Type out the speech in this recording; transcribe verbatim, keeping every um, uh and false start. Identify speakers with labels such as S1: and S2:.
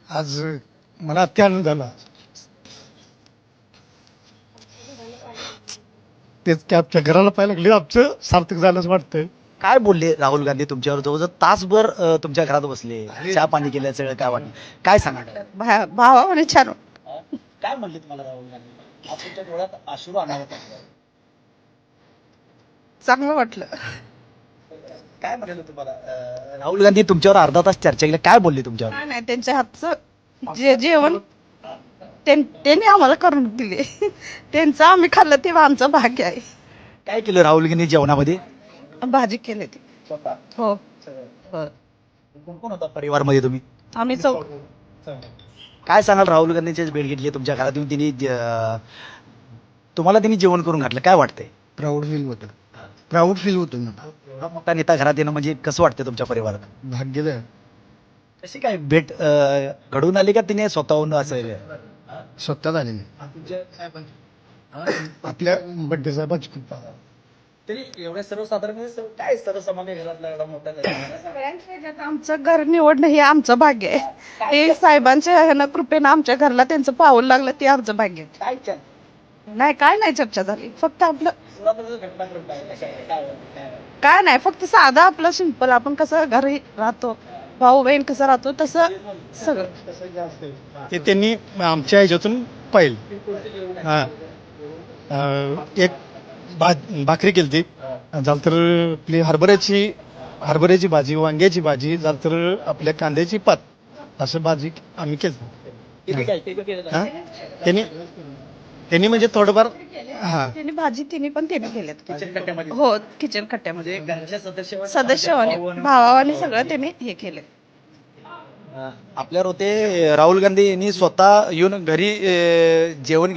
S1: आज मला अति आनंद झाला. तेच की आमच्या घराला पाहायला लागले आमचं सार्थक झालंच वाटतंय.
S2: काय बोलले राहुल गांधी तुमच्यावर जवळजवळ तासभर अं, तुमच्या घरात बसले, चहा पाणी केलं, सगळं काय वाटलं, काय सांगा?
S3: भा- भावाने छान
S2: काय म्हणले तुम्हाला राहुल गांधी? आज तुमच्या डोळ्यात अश्रू अनावत आहे.
S3: चांगलं वाटलं.
S2: काय म्हणले तुम्हाला अं, राहुल गांधी तुमच्यावर अर्धा तास चर्चा केली, काय बोलले तुमच्यावर?
S3: काय नाही त्यांच्या हातचं जे जेवण त्यां- त्यांनी आम्हाला करून दिले. त्यांचं आम्ही खाल्लं तेव्हा आमचं भाग्य आहे.
S2: काय केलं राहुल गांधी जेवणामध्ये?
S3: भाजी केली ती. हो हो.
S2: कोण कोण होता परिवारमध्ये तुम्ही?
S3: आम्ही चौ
S2: काय सांगाल राहुल गांधीची भेट घेतली तुमच्या घरात येऊन तिने अं, तुम्हाला त्यांनी जेवण करून घातलं, काय वाटतंय?
S1: प्राऊड फील होतं. प्राऊड फील होतं ना.
S2: एवढा मोठा नेता घरात येणं म्हणजे कसं वाटतं तुमच्या परिवारात?
S1: भाग्यदाय.
S2: कशी काय भेट अं, घडून आली का तिने स्वतःहून असं?
S1: स्वतः झाले आपल्या बड्डे साहेबांची कृपा.
S2: तरी एवढ्या सर्वसाधारण काय सर्वसामान्य घरातला एवढा मोठा
S3: सगळ्यांच्या ह्याच्यात आमचं घर निवडणं हे आमचं भाग्य आहे. ते साहेबांच्या ह्यानं कृपेनं आमच्या घरला त्यांचं पाऊल लागलं ते आमचं भाग्य आहे.
S2: काय चल
S3: नाही काय नाही चर्चा झाली, फक्त आपलं काय नाही, फक्त साधं आपलं सिंपल आपण कसं घरी राहतो, भाऊ बहीण कसं राहतो तसं सगळं.
S1: ते त्यांनी आमच्या ह्याच्यातून पाहिलं. हा अं, एक भा भाकरी केली ती झालं तर आपली हरभऱ्याची हरभऱ्याची भाजी, वांग्याची भाजी झालं तर आपल्या कांद्याची पात, असं भाजी आम्ही केली. हा त्यांनी त्यांनी म्हणजे थोडंफार हा
S3: त्यांनी भाजी तिने पण त्यांनी केलेत.
S2: किचन कट्ट्यामध्ये
S3: हो किचन कट्ट्यामध्ये
S2: घरच्या सदस्य
S3: सदस्य भावाने सगळं त्यांनी हे केले.
S2: आपल्यावर होते राहुल गांधी यांनी स्वतः येऊन घरी अं, जेवण